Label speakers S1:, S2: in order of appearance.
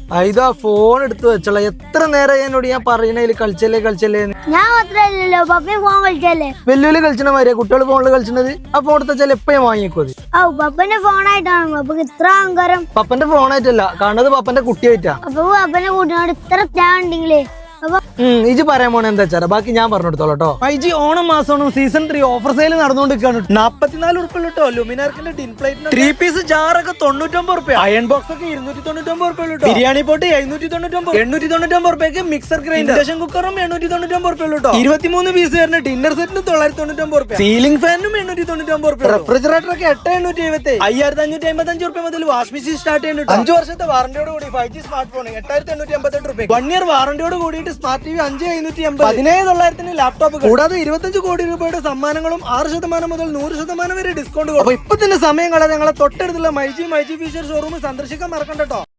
S1: ഇതാ ഫോൺ എടുത്ത് വെച്ചോളാം. എത്ര നേരം എന്നോട് ഞാൻ പറയണേല് കളിച്ചല്ലേ
S2: ഞാൻ മാത്രല്ലോ പപ്പയും ഫോൺ കളിച്ചല്ലേ.
S1: വെല്ലുവിളി കളിച്ചണ മാതിരിയാ കുട്ടികൾ ഫോണിൽ കളിച്ചത്. ആ ഫോൺ എടുത്താൽ എപ്പോഴും വാങ്ങിക്കോ.
S2: പപ്പന്റെ ഫോണായിട്ടാണ് പപ്പക്ക് ഇത്ര അഹങ്കാരം.
S1: പപ്പന്റെ ഫോണായിട്ടല്ല കാണുന്നത്, പപ്പന്റെ കുട്ടിയായിട്ടാ.
S2: അപ്പൊ പപ്പന്റെ കൂട്ടിനോട് ഇത്ര ത്യാഗം ഉണ്ടെങ്കിലേ
S1: ഇജ് പറയാൻ പോണ എന്താ വെച്ചാ ബാക്കി ഞാൻ പറഞ്ഞു കൊടുത്തോളൂ കേട്ടോ. ഐജി ഓണം മാസമാണ് സീസൺ 3 ഓഫർ സെയിൽ നടന്നുകൊണ്ടിരിക്കുകയാണ്. 44 ഉറുപ്പിക കേട്ടോ. ലുമിനാർക്കിന്റെ ടിൻ പ്ലേറ്റ് 3 പീസ് ജാറൊക്കെ 99 റുപ്യ, അയൺ ബോക്സ് ഒക്കെ 299 റുപ്യ കേട്ടോ. ബിരിയാണി പോട്ട് 799, 899 റുപ്യക്ക് മിക്സർ ഗ്രൈൻഡർ, ഇൻഡക്ഷൻ കുക്കറും 899 റുപ്യ കേട്ടോ. 23 പീസ് വരുന്ന ഡിന്നർ സെറ്റിന് 999 റുപ്യ, സീലിംഗ് ഫാനും 899 റുപ്യ, റെഫ്രിജറേറ്റർ ഒക്കെ 8,870, 5,555 റുപ്യ മുതൽ വാഷ് മെഷീൻ സ്റ്റാർട്ട് ചെയ്യുന്നുണ്ട്. 5 വർഷത്തെ വാറന്റിയോട് കൂടി 5G സ്മാർട്ട് ഫോൺ 8,888 റുപ്യ, 1 ഇയർ വാറന്റിയോട് കൂടി സ്മാർട്ട് ടി വി 5,580, 17,900 ലാപ്ടോപ്പ്, കൂടാതെ 25 കോടി രൂപയുടെ സമ്മാനങ്ങളും 6% മുതൽ 100% വരെ ഡിസ്കൗണ്ട്. അപ്പൊ ഇപ്പൊ തന്നെ സമയം കളയാതെ ഞങ്ങളെ തൊട്ടടുത്തുള്ള മൈജി ഫീച്ചർ ഷോറൂം സന്ദർശിക്കാൻ മറക്കണ്ട കേട്ടോ.